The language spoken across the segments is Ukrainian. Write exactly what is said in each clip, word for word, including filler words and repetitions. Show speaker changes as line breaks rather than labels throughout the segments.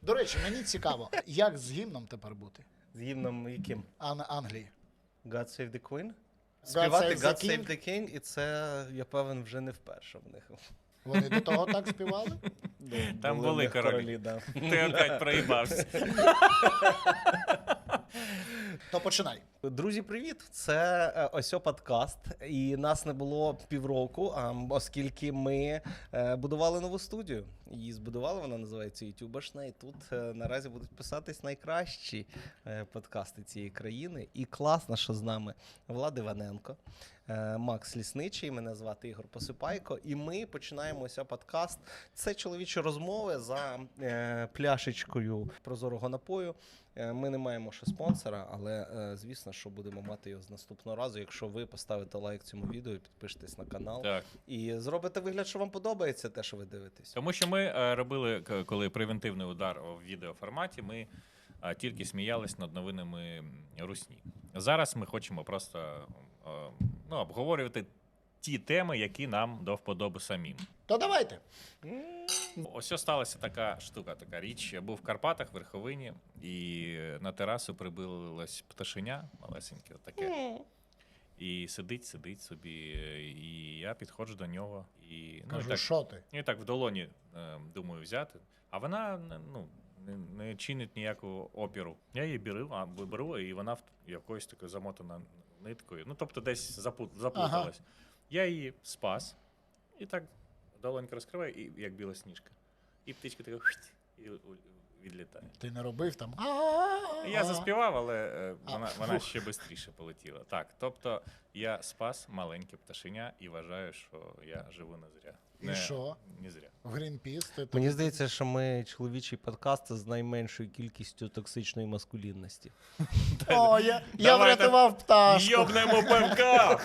До речі, мені цікаво, як з гімном тепер бути?
З гімном яким?
Ан Англії.
God Save the Queen?
God
Співати
Save
God
the
Save the King, і це, я певен, вже не вперше в них.
Вони до того так співали?
Там
в
були
них
королі.
да.
Ти опять проїбався.
То починай.
Друзі, привіт! Це е, Осьо подкаст, і нас не було півроку, а, оскільки ми е, будували нову студію. Її збудували, вона називається Ютубашна, і тут е, наразі будуть писатись найкращі е, подкасти цієї країни. І класно, що з нами Влад Іваненко, е, Макс Лісничий, мене звати Ігор Посипайко, і ми починаємо Осьо подкаст. Це чоловічі розмови за е, пляшечкою прозорого напою. Ми не маємо ще спонсора, але, звісно, що будемо мати його з наступного разу, якщо ви поставите лайк цьому відео, підпишетесь на канал
Так.
і зробите вигляд, що вам подобається те, що ви дивитесь.
Тому що ми е, робили, к- коли превентивний удар в відеоформаті, ми е, тільки сміялись над новинами русні. Зараз ми хочемо просто е, ну, обговорювати ті теми, які нам до вподоби самим.
То давайте.
Ось ось сталася така штука, така річ. Я був в Карпатах, в Верховині, і на терасу прибилось пташеня малесеньке, таке. І сидить, сидить собі, і я підходжу до нього. І, ну, і
Кажу,
так,
що ти?
і так в долоні, е, думаю, взяти. А вона ну, не, не чинить ніякого опіру. Я її беру, а, беру, і вона в якоюсь такою замотана ниткою. Ну, тобто десь запут, заплуталась. Ага. Я її спас, і так долонька розкриваю, і як біла сніжка. І птичка така і відлітає.
Ти не робив там?
Я заспівав, але е, вона, вона ще швидше полетіла. Так, тобто я спас маленьке пташеня і вважаю, що я живу не зря.
І
не,
що?
Не зря.
В Грінпіс? Ти
Мені здається, що ми чоловічий подкаст з найменшою кількістю токсичної маскулінності.
О, я, я врятував пташку.
Йобнемо пивка!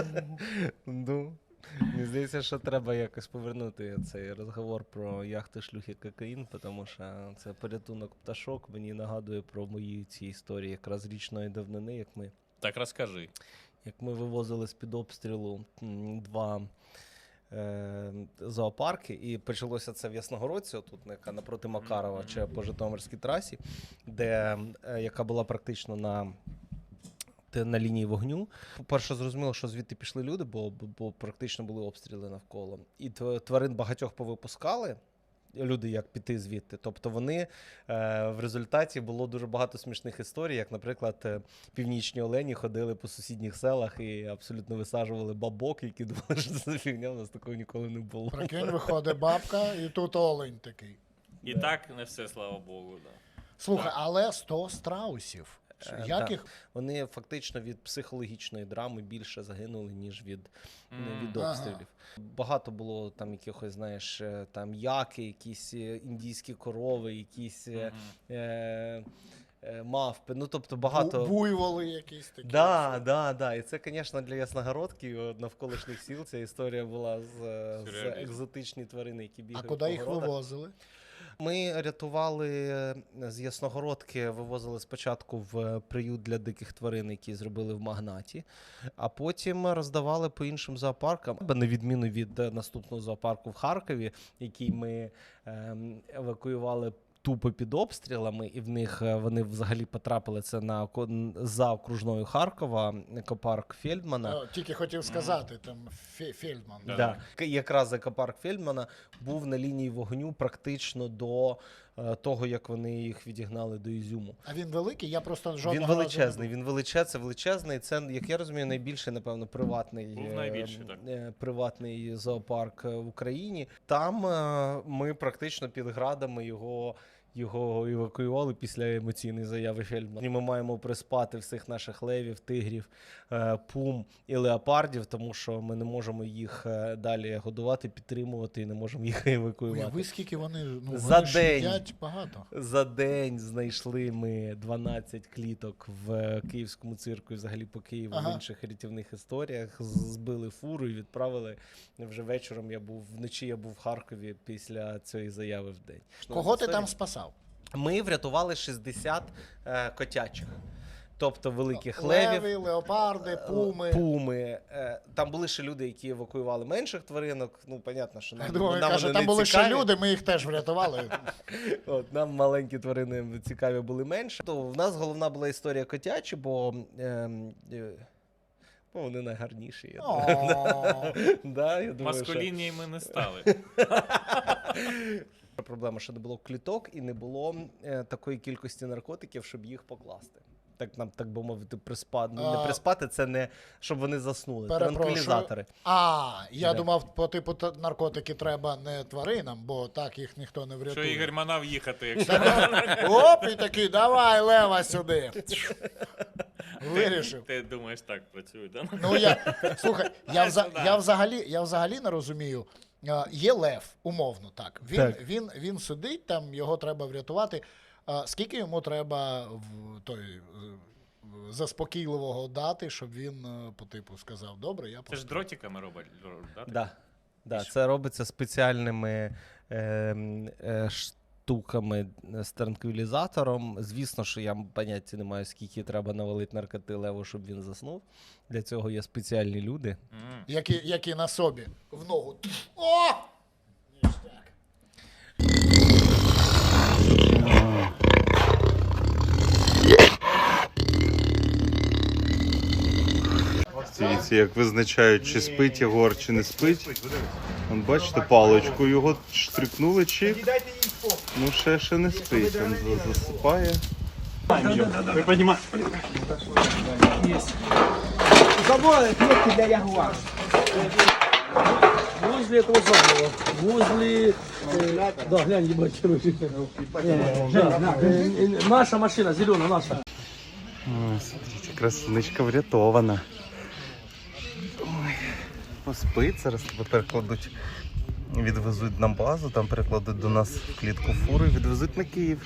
Ну, мені здається, що треба якось повернути цей розговор про яхти, шлюхи, кокаїн, тому що це порятунок пташок. Мені нагадує про мої ці історії якраз річної давнини, як ми,
Так розкажи.
як ми вивозили з-під обстрілу м, два е, зоопарки, і почалося це в Ясногородці, отут яка напроти Макарова, чи по Житомирській трасі, де, е, яка була практично на на лінії вогню. По-перше, зрозуміло, що звідти пішли люди, бо, бо, бо практично були обстріли навколо. І тварин багатьох повипускали, люди як піти звідти. Тобто вони, е, в результаті було дуже багато смішних історій, як, наприклад, е, північні олені ходили по сусідніх селах і абсолютно висаджували бабок, які думали, що це фігня, у нас такого ніколи не було.
Прикинь, виходить бабка, і тут олень такий.
І да. Так не все, слава Богу. Да.
Слухай,
так.
але сто страусів. Як
так.
їх?
Вони фактично від психологічної драми більше загинули, ніж від,
Mm.
від обстрілів. Ага. Багато було там якихось, знаєш, там яки, якісь індійські корови, якісь mm-hmm. е, е, мавпи, ну тобто багато...
Буйволи якісь такі.
Да, да, да. І це, звісно, для Ясногородки, навколишніх сіл, ця історія була з, з екзотичні тварини, які бігають.
А куди їх вивозили?
Ми рятували з Ясногородки, вивозили спочатку в приют для диких тварин, які зробили в Магнаті, а потім роздавали по іншим зоопаркам, на відміну від наступного зоопарку в Харкові, який ми ем, евакуювали тупо під обстрілами, і в них вони взагалі потрапили це на за окружною Харкова, екопарк Фельдмана.
О, тільки хотів сказати, там Фельдман.
Да. Да. Якраз екопарк Фельдмана був на лінії вогню практично до е, того, як вони їх відігнали до Ізюму.
А він великий? Я просто жодного
Він
разу
величезний, він величезний, це величезний. Це, як я розумію, найбільший, напевно, приватний,
був найбільший, так.
е, приватний зоопарк в Україні. Там е, ми практично під градами його Його евакуювали після емоційної заяви Фельдмана. І ми маємо приспати всіх наших левів, тигрів, пум і леопардів, тому що ми не можемо їх далі годувати, підтримувати і не можемо їх евакуювати.
Уяви, скільки вони, ну,
За
вони
день,
їдять багато.
За день знайшли ми дванадцять кліток в Київському цирку і взагалі по Києву ага. в інших рятівних історіях. Збили фуру і відправили вже вечором. Я був, вночі я був в Харкові після цієї заяви в день.
Кого ти там спасав?
Ми врятували шістдесят е, котячих. тобто великих левів.
Леви, леопарди, пуми.
Пуми. Е, Там були ще люди, які евакуювали менших тваринок. Ну, понятно, що нам,
Я думаю,
нам
каже,
вони
там
не
були
цікаві.
ще люди, ми їх теж врятували.
От, нам маленькі тварини цікаві були менше. То в нас головна була історія котячі, бо е, е, ну, вони найгарніші. Я думаю.
О,
Да, я думаю, що...
Маскулінні ми не стали.
Проблема, що не було кліток і не було е, такої кількості наркотиків, щоб їх покласти. Так нам, так би мовити, приспати. Ну, не
А,
приспати, це не щоб вони заснули.
перепрошую.
Транквілізатори.
А, я
Да.
думав, по типу та- наркотики треба не тваринам, бо так їх ніхто не
Що
врятує.
Ігор манав їхати, якщо
Оп, і такий, давай, лева сюди. Вирішив.
ти думаєш, так працює, да?
Ну я слухай, я, вза,
Сюди.
я взагалі, я взагалі не розумію. А, Є лев, умовно так. Він,
Так.
він, він сидить, там його треба врятувати. А скільки йому треба в той е, заспокійливого дати, щоб він е, по типу сказав, добре, я
Це ж
просто.
дротиками робить, да?
Да. Да,
І що?
це робиться спеціальними е, е, штуками з транквілізатором. Звісно, що я поняття не маю, скільки треба навалити наркоти леву, щоб він заснув. Для цього є спеціальні люди.
М.
Які, які на собі в ногу. О! Ніштяк.
Дивіться, як визначають, чи спить Єгор, чи не спить. Вон, бачите, паличку його штрикнули, чик. Ну, ще, ще не спить. Він за- засипає.
Заборы клетки для ягуара. Возле этого самого, возле... э, да, глянь, ебать, короче. Э, да, да, э, э, наша машина, зеленая, наша.
Ой, смотрите, красунечка врятована. Ой, поспить, зараз тебе перекладуть. Відвезуть на базу, там перекладуть до нас в клітку фуру і відвезуть на Київ.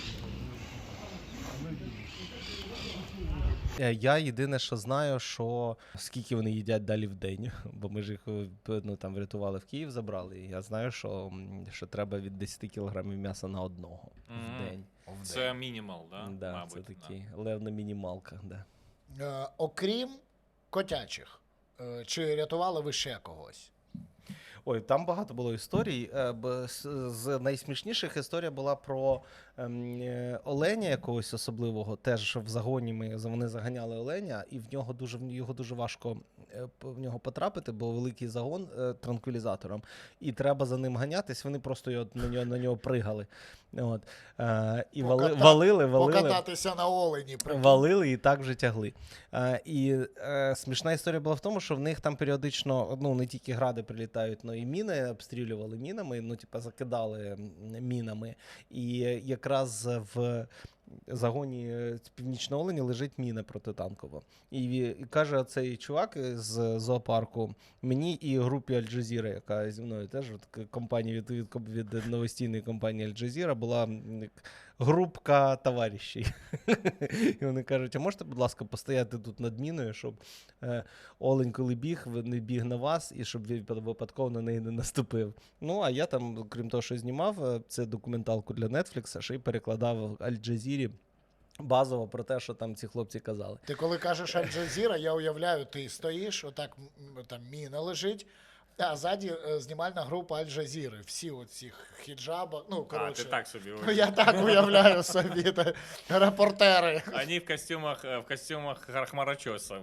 Е, Я єдине, що знаю, що скільки вони їдять далі в день, бо ми ж їх е, ну, там врятували в Київ, забрали. І я знаю, що, м, що треба від десять кілограмів м'яса на одного
Мгм.
в день.
Це мінімал, да?
Да,
Мабуть.
це
да.
такий левна мінімалка. Да.
Е, окрім котячих, е, чи рятували ви ще когось?
Ой, там багато було історій. Е, б- з- З найсмішніших історія була про ем, е, оленя якогось особливого. Теж в загоні ми вони заганяли оленя, і в нього дуже в його дуже важко е, п- в нього потрапити, бо великий загон е, транквілізатором, і треба за ним ганятись. Вони просто його на нього на нього пригали. От е, і вали,
Поката-
валили, валили.
Покататися на олені. прикинь.
Валили і так вже тягли. Е, і е, смішна історія була в тому, що в них там періодично ну, не тільки гради прилітають, але і міни обстрілювали мінами, ну, типа, закидали м, мінами. І якраз в загоні е, північного олені лежить міна протитанкова. І, ві- і каже цей чувак з зоопарку мені і групі Аль-Джазіра, яка зі мною теж от, к- компанія від, від, від новостійної компанії Аль-Джазіра була м, як групка товаришів. І вони кажуть, а можете, будь ласка, постояти тут над міною, щоб е, олень, коли біг, ви- не біг на вас, і щоб він випад- випадково на неї не наступив. Ну, а я там, крім того, що знімав, е, це документалку для Netflix, ще й перекладав Аль-Джазірі базово про те, що там ці хлопці казали.
Ти коли кажеш Аль-Джазіра, я уявляю, ти стоїш, отак м, там міна лежить, а ззаді е, знімальна група Аль-Джазіри. Всі оці хіджаба, ну,
А,
коротше.
ти так собі
Ну,
уявляєш.
я так уявляю собі, та, репортери.
Они в костюмах, э, в костюмах хмарочоса.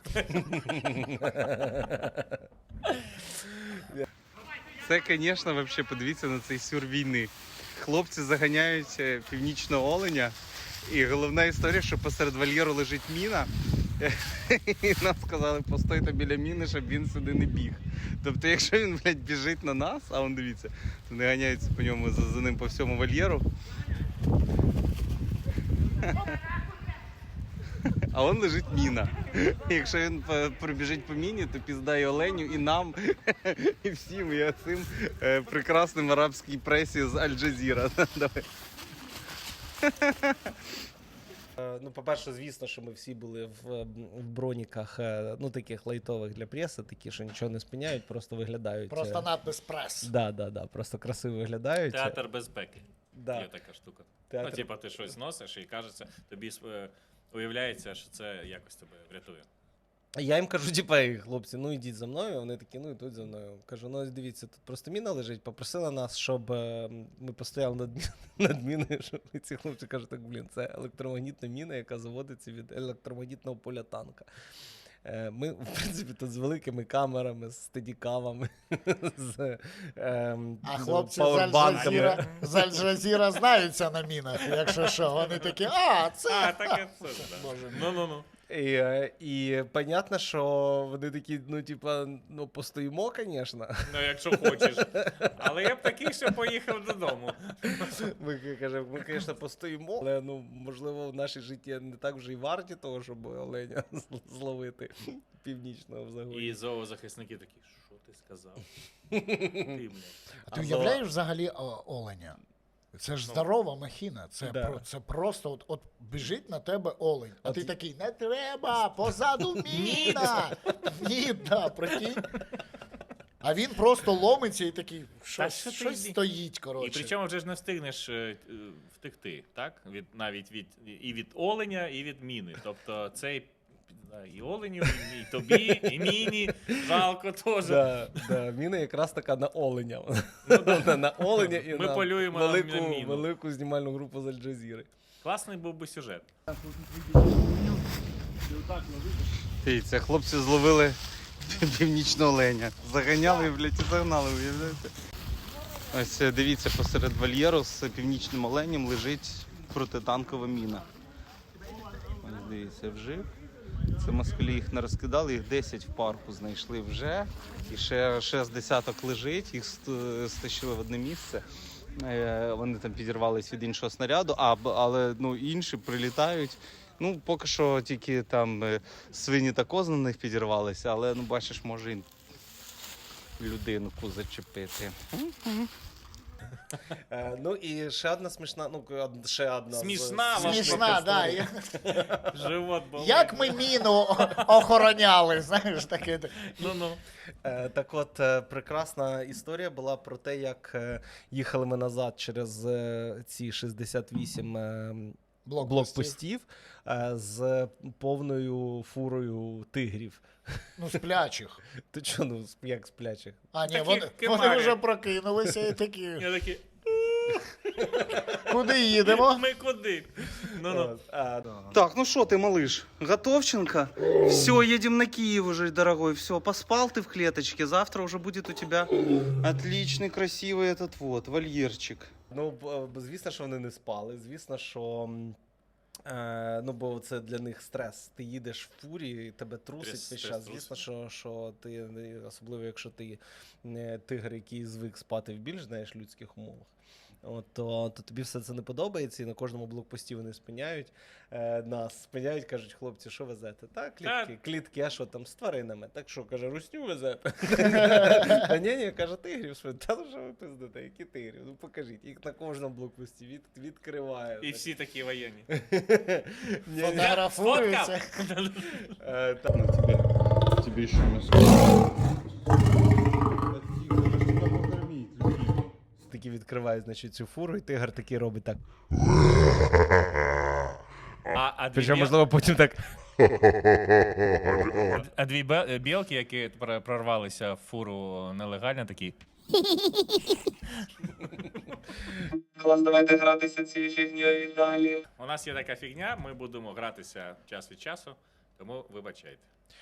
Це, звісно, вообще подивіться на цей сюр війни. Хлопці заганяють е, північного оленя. І головна історія, що посеред вольєру лежить міна. І нам сказали, постойте біля міни, щоб він сюди не біг. Тобто, якщо він, блядь, біжить на нас, а он дивіться, то вони ганяються по ньому за, за ним по всьому вольєру. А он лежить міна. І якщо він по- пробіжить по міні, то пізда і оленю, і нам, і всім, і цим е, прекрасним арабській пресі з Аль-Джазіра. Давай.
Е, Ну, по-перше, звісно, що ми всі були в, в броніках, е, ну, таких лайтових для преси, такі, що нічого не спиняють, просто виглядають.
Просто
е,
надпис прес.
Да, да, да, просто красиво виглядають.
Театр безпеки.
Да.
Є така штука.
Театр.
Ну, типа, ти щось носиш і кажеться, тобі е, уявляється, що це якось тебе врятує.
Я їм кажу, типа, «Ей, хлопці, ну йдіть за мною. Вони такі, ну йдуть за мною. Кажу, ну ось дивіться, тут просто міна лежить. Попросили нас, щоб е, ми постояли над, мі- над міною. Щоб і ці хлопці кажуть, так, блін, це електромагнітна міна, яка заводиться від електромагнітного поля танка. Е, Ми, в принципі, тут з великими камерами, з стедікавами, з ем,
А
ну,
хлопці з
пауербанками.
Аль-Джазіра, з Аль-Джазіра знаються на мінах, якщо що. Вони такі, а, це...
А, так це, да.
Боже мій.
Ну-ну-ну.
І, е, і понятно, що вони такі, ну, типа, ну, постоїмо, звісно.
Ну, якщо хочеш. Але я б такий ще поїхав додому.
Ми кажемо, ми, звісно, постоїмо, але ну, можливо, в нашій житті не так вже й варті того, щоб оленя з- зловити північного в загоні.
І зоозахисники такі, що ти сказав? Ти, блядь.
А ти
Або-
уявляєш взагалі о, оленя? Це ж
Ну.
здорова махіна. Це,
Да.
про, це просто от, от біжить на тебе олень. А
От
ти
й-
такий, не треба, позаду міна. Ні, да, прикинь. А він просто ломиться і такий, щось,
що ти
щось
йди.
стоїть,
І
коротше.
причому вже ж не встигнеш е, е, втекти, так? Від, навіть від, і від оленя, і від міни. Тобто цей да, і оленю, і, і тобі, і міні, жалко теж.
Да, да, міна якраз така на оленя.
Ну, да.
Вона на оленя і
Ми
на
полюємо на
велику,
міну.
велику знімальну групу з Аль-Джазіри.
Класний був би сюжет.
Дивіться, хлопці зловили північного оленя. Заганяли, блядь, і загнали, уявляєте? Ось е, дивіться, посеред вольєру з північним оленем лежить протитанкова міна. Ось дивіться, вжив. Це москалі їх не розкидали, їх десять в парку знайшли вже. І ще, ще з десяток лежить, їх ст- стащили в одне місце. Е, Вони там підірвались від іншого снаряду, а, б- але ну, інші прилітають. Ну, поки що тільки там е, свині та кози на них підірвалися, але ну бачиш, може і людинку зачепити.
Е, ну і ще одна смішна, ну од- ще одна. з-
Смішна,
з-
вам
Смішна, да.
історій.
Я-
Живот болить.
Як ми міну о- охороняли, знаєш, таке.
Ну-ну.
Е, Так от, е, прекрасна історія була про те, як е, їхали ми назад через е, ці шістдесят вісім е,
Блокпостів.
блокпостів е, з повною фурою тигрів.
Ну, сплячих.
Ти чого, ну, з- як сплячих?
А, ні,
Такі
вони, вони
кемарі.
вже прокинулися і такі,
Я такий,
куди їдемо?
ми куди? Ну-ну.
От, а,
Так, ну что ты, малыш, Готовченко? Все, едем на Киев уже, дорогой. Все, поспал ты в клеточке. Завтра уже будет у тебя отличный, красивый этот вот вольерчик.
Ну, б- б- звісно, що вони не спали. Звісно, що. м, Е, ну, бо це для них стрес. Ти їдеш в фурі, і тебе трусить
Стрес-
весь
стрес
час.
трусить.
Звісно, що, що ти, не- особливо якщо ти не тигр, який звик спати в більш знаєш, людських умовах. От, то, то тобі все це не подобається, і на кожному блокпості вони спиняють е, нас, спиняють, кажуть, хлопці, що везете? Та, клітки, клітки, а що там з тваринами? Так що, каже, русню везете? Та ні, ні, каже, тигрів. Що? Та ну що ви пиздите, які тигрів? Ну покажіть, їх на кожному блокпості від, відкриває.
І всі такі воєнні.
Ні, ні.
Фотографуються.
Е, та-
Ну, тебе, тебе еще мясо.
Такі відкривають, значить, цю фуру, і тигр такий робить так.
А, а, дві,
Причому,
біл...
можливо, потім так.
а дві бе- білки, які пр- прорвалися в фуру нелегально, такі.
Клас, давайте гратися цією фігньою і далі.
У нас є така фігня, ми будемо гратися час від часу, тому вибачайте.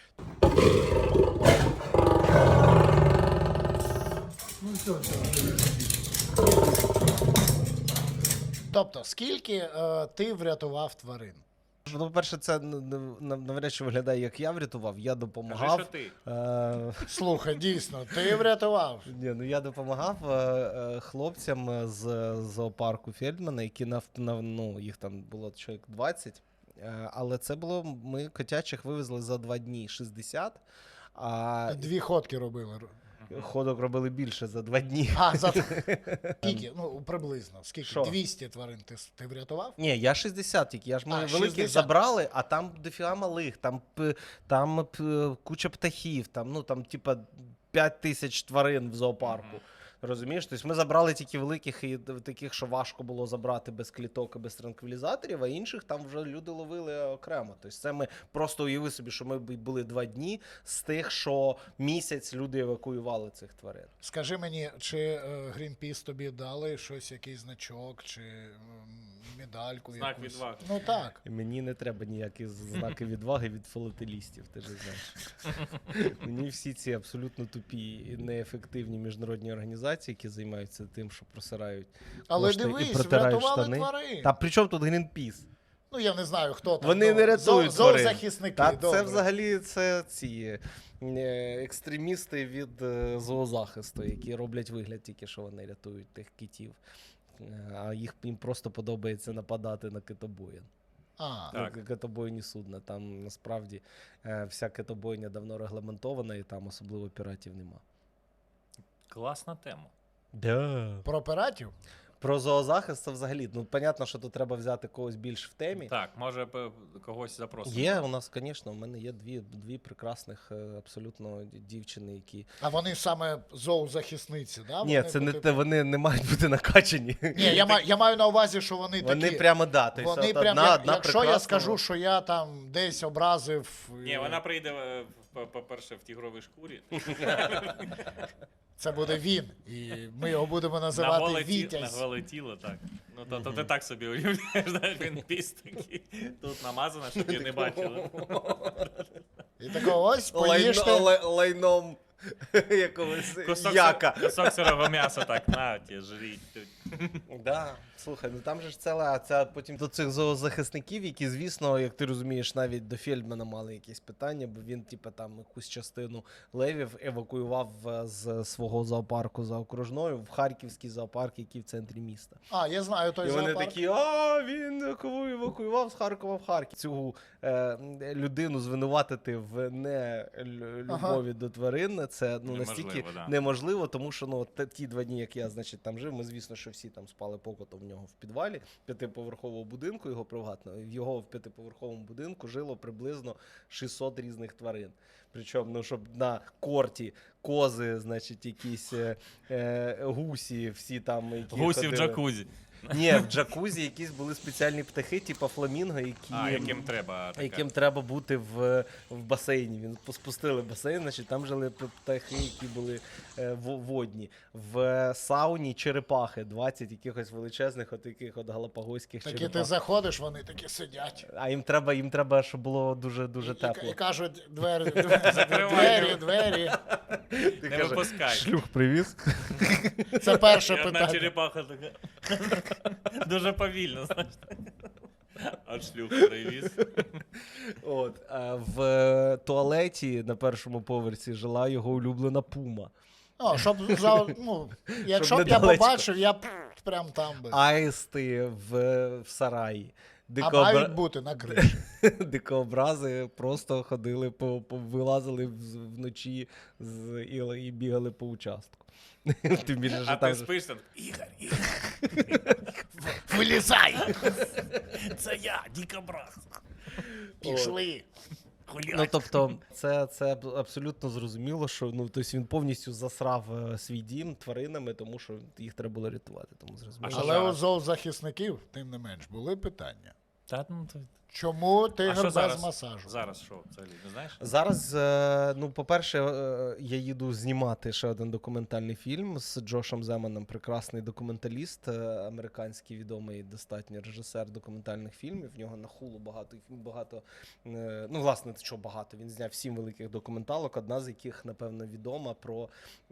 Тобто, скільки е, ти врятував тварин?
Ну, по-перше, це н- н- нав- навряд чи виглядає, як я врятував, я
Кажи,
допомагав.
що ти.
Е,
Слухай, дійсно, ти врятував.
Ні, ну я допомагав е, е, хлопцям з зоопарку Фельдмана, які нав, нав, ну, їх там було чоловік двадцять. Е, але це було, ми котячих вивезли за два дні шістдесят, а
Дві ходки робили.
ходок робили більше за два дні.
А, за скільки? Ну, приблизно. Скільки?
Що?
двісті тварин ти, с- ти врятував?
Ні, я шістдесят тільки, я ж ми
А,
великих
шістдесят.
забрали, а там дофіга малих, там, п- там п- куча птахів, там, ну, там, типа, п'ять тисяч тварин в зоопарку. Розумієш? Тобто ми забрали тільки великих і таких, що важко було забрати без кліток і без транквілізаторів, а інших там вже люди ловили окремо. Тобто це ми просто уяви собі, що ми були два дні з тих, що місяць люди евакуювали цих тварин.
Скажи мені, чи е, Greenpeace тобі дали щось, якийсь значок, чи м, медальку
Знак
якусь?
відваги.
Ну так.
І мені не треба ніякі знаки відваги від філателістів, ти ж знаєш. Мені всі ці абсолютно тупі і неефективні міжнародні організації, які займаються тим, що просирають
Але
кошти і
дивись,
протирають
врятували
штани.
тварин.
Та при чому тут Greenpeace?
Ну я не знаю, хто там.
Вони
ну,
не рятують
зо-
тварин.
Зоозахисники,
Та
добре.
це взагалі це ці е, екстремісти від е, зоозахисту, які роблять вигляд тільки, що вони рятують тих китів. Е, А їх їм просто подобається нападати на китобоїн.
А,
Так.
Ну, китобойні судна. Там насправді е, вся китобойня давно регламентована, і там особливо піратів нема.
Класна тема.
Да.
про піратів?
Про зоозахист це взагалі. Ну, понятно, що тут треба взяти когось більш в темі.
Так, може п- когось запросимо.
Є у нас, звісно, у мене є дві, дві прекрасних е, абсолютно дівчини, які.
А вони саме зоозахисниці, да?
Ні,
Вони,
це не
типу-
те, вони не мають бути накачані.
Ні, я, маю, я маю на увазі, що вони,
Вони
такі.
прямо да. Тобто,
Вони
от
прям,
одна,
як-
одна
якщо я
прекрасна-
скажу, що я там десь образив.
Ні,
е,
вона прийде, е, по- по-перше, в тігровій шкурі.
Це буде він. І ми його будемо
На
називати
голе, ті- на
Вітязь.
голе тіло, так. Ну, то, то ти так собі уявляєш, знаєш, він піс такий, тут намазано, щоб її не бачили.
І такого ось
Лайно,
поїжте.
лай- лайном якогось
Кусок,
яка.
сир- кусок сирого м'яса так, на, ті, жріть тут.
Да. Слухай, ну там же ж ціла, це потім до цих зоозахисників, які, звісно, як ти розумієш, навіть до Фельдмана мали якісь питання, бо він, типу, там якусь частину левів евакуював е, з свого зоопарку за окружною в Харківський зоопарк, який в центрі міста.
А, я знаю той
І вони
зоопарк.
такі, а він кого евакуював з Харкова в Харків. Цю е, людину звинуватити в не лю-
Ага.
любові до тварин, це ну,
Неможливо,
настільки
да.
неможливо, тому що ну, те- ті два дні, як я значить, там жив, ми, звісно, що всі там спали покотом в нього в підвалі п'ятиповерхового будинку, його приватного. В його в п'ятиповерховому будинку жило приблизно шістсот різних тварин. Причому, ну, щоб на корті кози, значить, якісь е, е, гусі, всі там, які
Гусі в
ходили.
джакузі.
Ні, в джакузі якісь були спеціальні птахи, типу фламінго, які,
А, яким треба така.
яким треба бути в, в басейні. Він спустили басейн, значить там жили п- птахи, які були е, во- водні. В сауні черепахи, двадцять якихось величезних, от таких от галапагойських
Такі
черепах.
ти заходиш, вони такі сидять.
А їм треба, їм треба, щоб було дуже дуже
І,
тепло.
і кажуть, двері, двері,
Закривай.
двері, двері.
Ти
Не
каже,
випускай.
шлюх привіз.
Це перше
І одна
питання.
черепаха така. Дуже повільно, знаєш. А шлюх привіз.
От, а в е, туалеті на першому поверсі жила його улюблена пума.
О, щоб за, ну, якщо б я
недалечко.
побачив, я б прям там би.
Аїсти в, в сараї.
А
Дикообра...
мають бути на криші.
Дикообрази просто ходили, по, по, вилазили в- вночі з, і, і бігали по участку. Тим більше, що
А
там
ти
же-
спиш там, Ігор, Ігор,
Вилізай!
це я, дікобраз.
Пішли.
Ну, тобто, це, це аб- абсолютно зрозуміло, що ну, тобто він повністю засрав е, свій дім тваринами, тому що їх треба було рятувати. Тому зрозуміло.
що
Але у
зараз?
зоозахисників, тим не менш, були питання.
Та, ну, то...
Чому
А
тигр
що
без
зараз?
масажу?
Зараз що, взагалі, не знаєш?
Зараз, е, ну, по-перше, е, я їду знімати ще один документальний фільм з Джошем Земаном, прекрасний документаліст, е, американський відомий достатньо режисер документальних фільмів. В нього на хулу багато, багато е, ну, власне, що багато. Він зняв сім великих документалок, одна з яких, напевно, відома про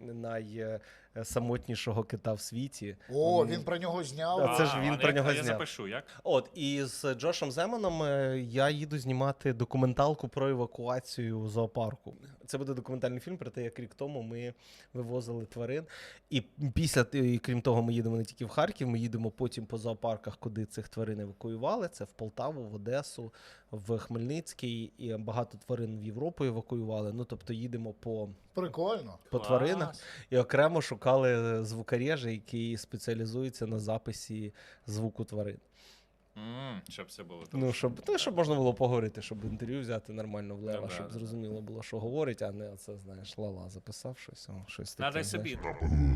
найсамотнішого кита в світі.
О,
М,
він про нього зняв.
А, це ж він
а,
про
я-
нього
а Я
зняв.
запишу, як?
От, і з Джошем Земаном е, я їду знімати документалку про евакуацію у зоопарку. Це буде документальний фільм про те, як рік тому ми вивозили тварин. І після, і крім того, ми їдемо не тільки в Харків, ми їдемо потім по зоопарках, куди цих тварин евакуювали. Це в Полтаву, в Одесу, в Хмельницький, і багато тварин в Європу евакуювали. Ну, тобто їдемо по,
Прикольно.
по
Клас.
тваринах. І окремо шукали звукорежа, який спеціалізується на записі звуку тварин.
М, Щоб все було
Ну,
трошки.
щоб, ну, щоб можна було поговорити, щоб інтерв'ю взяти нормально в Лева,
Ну, да,
щоб
да,
зрозуміло було, що говорить, а не це, знаєш, Лала записав щось, о, щось таке.
Надо й
знаєш.
собі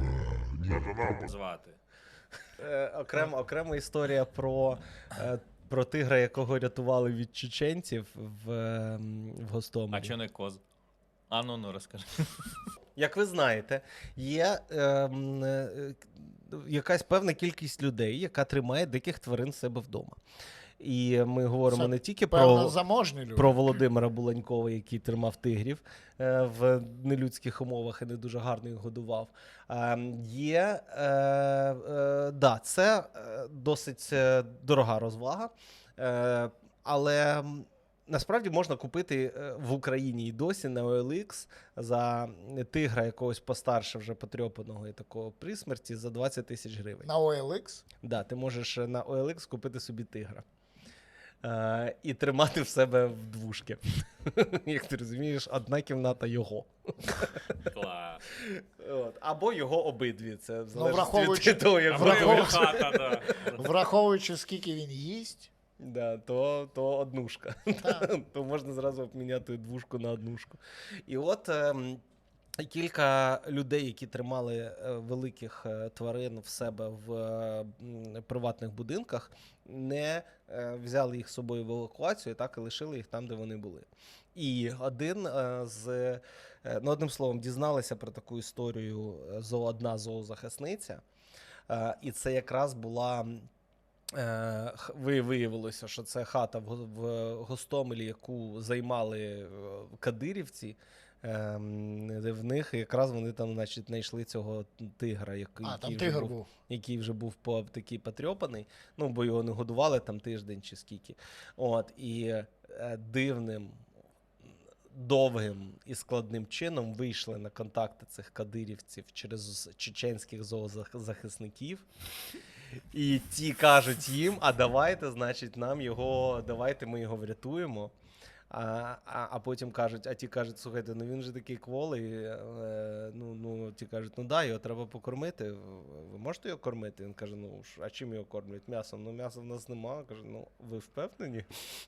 звати.
Е, окремо, окрема історія про, е, про тигра, якого рятували від чеченців в, е, в Гостомелі.
А чо не коз? А ну ну розкажи.
Як ви знаєте, є е, м, е, якась певна кількість людей, яка тримає диких тварин в себе вдома. І ми говоримо
Це
не тільки
Певно,
про,
заможні люди.
про Володимира Буланькова, який тримав тигрів е, в нелюдських умовах і не дуже гарно їх годував. Е, є, е, е, да, це е, досить е, дорога розвага, е, але м, насправді можна купити е, в Україні і досі на о ел ікс за тигра якогось постарше вже потрьопаного і такого при смерті за двадцять тисяч гривень.
На о ел ікс?
Да, ти можеш на о ел ікс купити собі тигра. Е, і тримати в себе в двушки. Як ти розумієш, одна кімната його.
Клас.
От. Або його обидві. Це в залежності
враховуючи-
від того, як
Або
вони
його
враховуючи-
хата, да.
Враховуючи, скільки він їсть,
Да, то, то однушка.
Так.
То можна зразу обміняти двушку на однушку. І от ем, кілька людей, які тримали е, великих е, тварин в себе в е, м, приватних будинках, не е, взяли їх з собою в евакуацію, так і лишили їх там, де вони були. І один е, з, е, ну, одним словом, дізналися про таку історію е, зо- одна зоозахисниця. Е, і це якраз була. Е, х- ви- Виявилося, що це хата в, Го- в Гостомелі, яку займали е, кадирівці. Ем, де в них якраз вони там, значить, знайшли цього тигра, який,
а, там
який, вже
тигр
був,
був.
який вже був по такий потрьопаний, ну, бо його не годували там тиждень чи скільки. От, і е, дивним, довгим і складним чином вийшли на контакти цих кадирівців через чеченських зоозахисників. І ті кажуть їм, а давайте, значить, нам його, давайте ми його врятуємо. А, а, а потім кажуть, а ті кажуть, слухайте, ну він же такий кволий, е, ну, ну, ті кажуть, ну да, його треба покормити, ви можете його кормити? Він каже, ну, а чим його кормлять? М'ясом? Ну, м'яса в нас нема. Каже, ну, ви впевнені?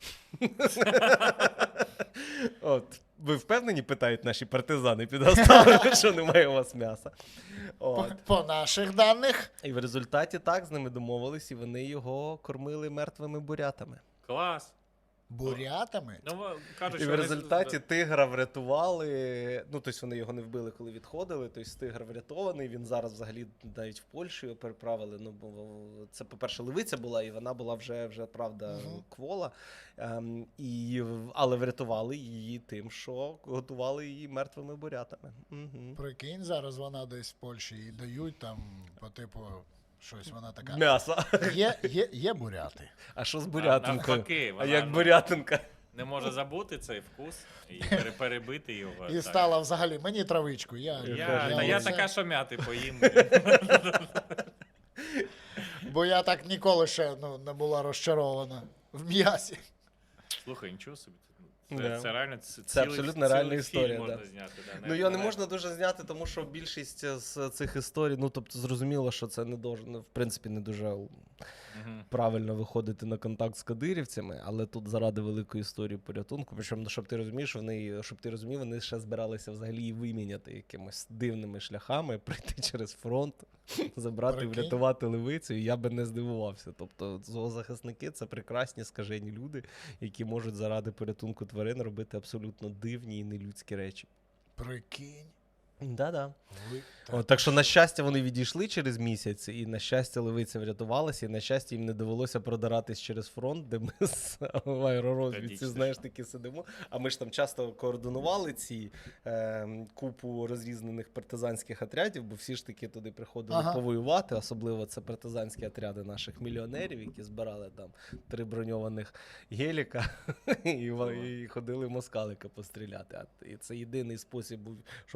От, ви впевнені, питають наші партизани під Гостомелем, що немає у вас м'яса?
По,
От.
по наших даних,
І в результаті так з ними домовились, і вони його кормили мертвими бурятами.
Клас.
бурятами.
Ну, во- кажуть,
І
що
в
вони-
результаті тигра врятували. Ну, тобто вони його не вбили, коли відходили. Тобто тигр врятований. Він зараз взагалі навіть в Польщу його переправили. Ну, бо це, по-перше, левиця була, і вона була вже, вже правда,
Мгм.
квола. Ем, і, в- але врятували її тим, що готували її мертвими бурятами. Угу.
Прикинь, зараз вона десь в Польщі і дають там, по типу, щось вона така.
М'ясо.
Є, є, є буряти.
А що з
А,
бурятинкою?
навпаки,
А
вона,
як
ну,
бурятинка?
не може забути цей вкус і пере- перебити його.
І
так.
стала взагалі мені травичку. Я,
Я, та я
оце-
така, що м'яти поїм.
Бо я так ніколи ще ну, не була розчарована в м'ясі.
Слухай, нічого собі. Це,
Да.
це реально ц-
Це
цілий,
абсолютно реальна
цілий
історія,
Фільм можна
да.
зняти, да,
Ну, його не
навіть.
можна дуже зняти, тому що більшість з цих історій, ну, тобто, зрозуміло, що це не дуже, ну, в принципі, не дуже
Мгм.
правильно виходити на контакт з кадирівцями, але тут заради великої історії порятунку, причому, ну, щоб ти розумієш, вони, щоб ти розумів, вони ще збиралися взагалі її виміняти якимось дивними шляхами, прийти через фронт, забрати,
Прикинь.
врятувати левицю, і я би не здивувався. Тобто, зоозахисники — це прекрасні, скажені люди, які можуть заради порятунку тварин робити абсолютно дивні і нелюдські речі.
Прикинь.
Да-да.
Ви...
О, так що, на щастя, вони відійшли через місяць, і на щастя, левиця врятувалася, і на щастя, їм не довелося продиратись через фронт, де ми з в аеророзвідці,
Трагічно.
знаєш, таки сидимо. А ми ж там часто координували ці е, купу розрізнених партизанських отрядів, бо всі ж таки туди приходили
Ага.
повоювати, особливо це партизанські отряди наших мільйонерів, які збирали там три броньованих геліка і, ва- і ходили москалика постріляти. А, і це єдиний спосіб був, щоб вони не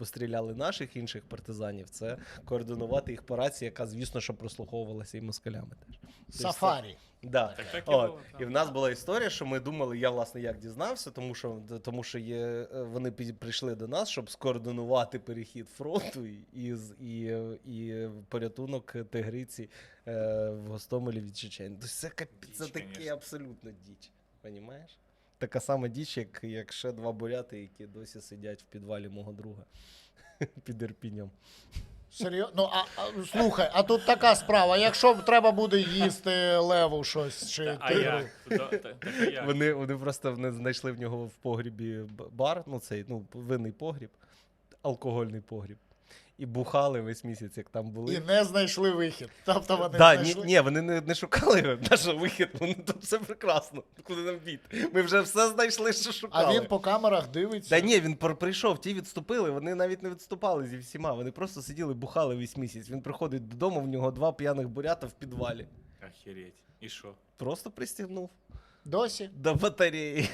постріляли наших інших партизанів, це координувати їх по рації, яка, звісно, що прослуховувалася і москалями теж.
Сафарі.
Да.
Так, так і
От.
було, так.
І в нас була історія, що ми думали, я власне як дізнався, тому що, тому що є, вони під- прийшли до нас, щоб скоординувати перехід фронту і, і, з- і, і порятунок тигриці е, в Гостомелі від чечень. Тобто це, капі- це
Діч,
таке
конечно.
абсолютно діч. Понімаєш? Така сама діч, як, як ще два буряти, які досі сидять в підвалі мого друга під Ірпінем.
Серйозно? Ну, а, а слухай, а тут така справа. Якщо треба буде їсти леву щось чи
Та, а
тигру,
як? То- та- так, а як?
Вони, вони просто вони знайшли в нього в погрібі б- бар, ну цей ну, винний погріб, алкогольний погріб. І бухали весь місяць, як там були.
і не знайшли вихід. Тобто вони
Да, ні,
знайшли.
ні, вони не, не шукали його, наш вихід, вони тут все прекрасно. Куди нам бід? Ми вже все знайшли, що шукали.
А він по камерах дивиться.
Та ні, він пр- прийшов, ті відступили, вони навіть не відступали зі всіма, вони просто сиділи, бухали весь місяць. Він приходить додому, в нього два п'яних бурята в підвалі.
Охереть. І що?
Просто пристігнув
Досі.
до батареї.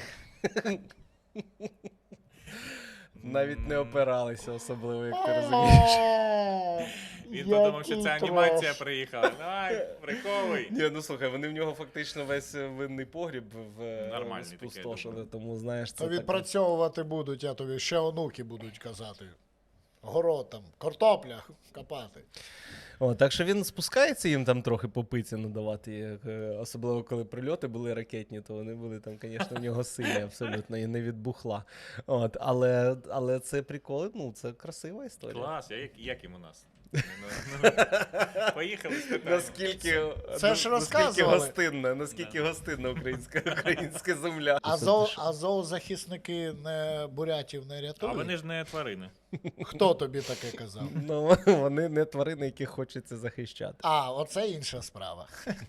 Навіть не опиралися особливо, як ти розумієш.
О,
Він подумав, що
який
це анімація
трош.
приїхала. Давай, приховуй.
Ні, ну слухай, вони в нього фактично весь е, винний погріб в е,
Нормальний такий,
спустошили,
думаю.
тому знаєш, це
То
така-
відпрацьовувати будуть, я тобі ще онуки будуть казати. Город там, картопля копати.
О, так що він спускається їм там трохи по пиці надавати, як, е, особливо коли прильоти були ракетні, то вони були там, звісно, в нього сильні абсолютно і не від бухла. От, але, але це приколи, ну це красива історія.
Клас, а як, як йому нас? Ну, ну, Поїхали спитаємо.
Наскільки,
Це ж
наскільки
розказували.
гостинна, наскільки гостинна українська, українська земля.
А, зоо, а зоозахисники не бурятів не
А
рятують?
вони ж не тварини.
Хто тобі таке казав?
Ну, вони не тварини, яких хочеться захищати.
А, оце інша справа.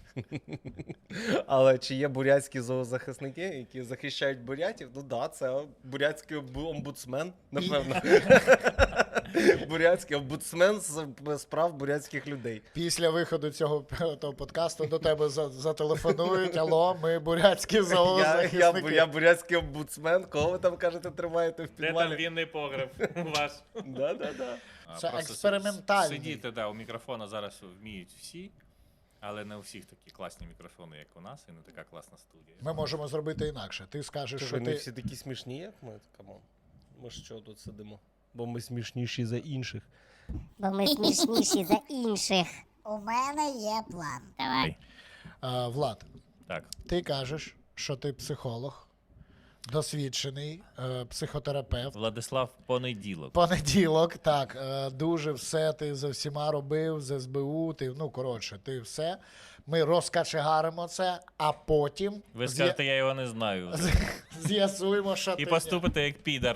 Але чи є бурятські зоозахисники, які захищають бурятів? Ну да, це бурятський омбу- омбудсмен, напевно. Бурятський омбудсмен з з прав бурятських людей.
Після виходу цього того подкасту до тебе за- зателефонують. Алло, ми бурятські
Я, я,
зоозахисники.
я бурятський омбудсмен. Кого ви там кажете, тримаєте в
Де там
підвалі?
вінний погреб ваш?
Да, да, да.
А,
Це
просто
експериментальний.
с- Сидіти, да, у мікрофона зараз вміють всі, але не у всіх такі класні мікрофони, як у нас, і не така класна студія.
Ми можемо зробити інакше. Ти скажеш,
Що
що
ви не
ти.
всі такі смішні, як ми? Камон. Ми ж що тут сидимо? Бо ми смішніші за інших.
Бо ми смішніші за інших. У мене є план. Давай.
А, Влад,
Так,
ти кажеш, що ти психолог, досвідчений е, психотерапевт.
Владислав Понеділок.
Понеділок, так, е, дуже все ти за всіма робив, з ес бе у, ти, ну, коротше, ти все. Ми розкачегаримо це, а потім
Ви
з'я-
скажете, я його не знаю.
з'ясуємо, що
І
ти...
поступите як підар.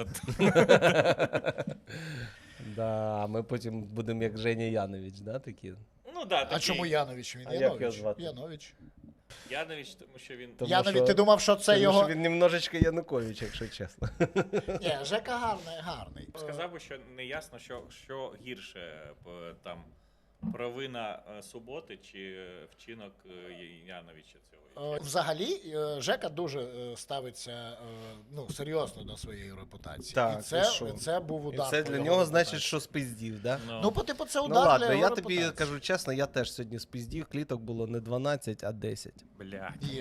Да, ми потім будемо як Женя Янович, да, такі?
Ну да,
А
такий.
чому Янович? Він
А як його
Янович.
звати?
Янович.
Янович, тому що він.
Тому
Янович,
що-
ти думав, що це
Тому
його...
що він немножечко Янукович, якщо чесно.
Ні, Жека гарний, гарний.
Сказав би, що не ясно, що, що гірше п- там провина е, суботи чи е, вчинок е, Яновича цього.
Е, Взагалі, е, Жека дуже е, ставиться е, ну, серйозно до своєї репутації.
Так,
і це,
і що?
це був
І
удар.
це
по
для
його
нього
репутації.
значить, що спиздів, да?
Ну, по типу, це
Ну
удар
ладно,
для
я
його
тобі
репутації.
кажу чесно, я теж сьогодні спиздів, кліток було не дванадцять, а десять.
Блядь.
Є.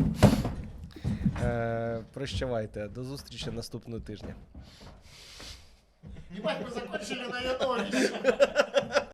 Е, прощавайте, до зустрічі наступного тижня.
Ебать, ми закончили на Яновича.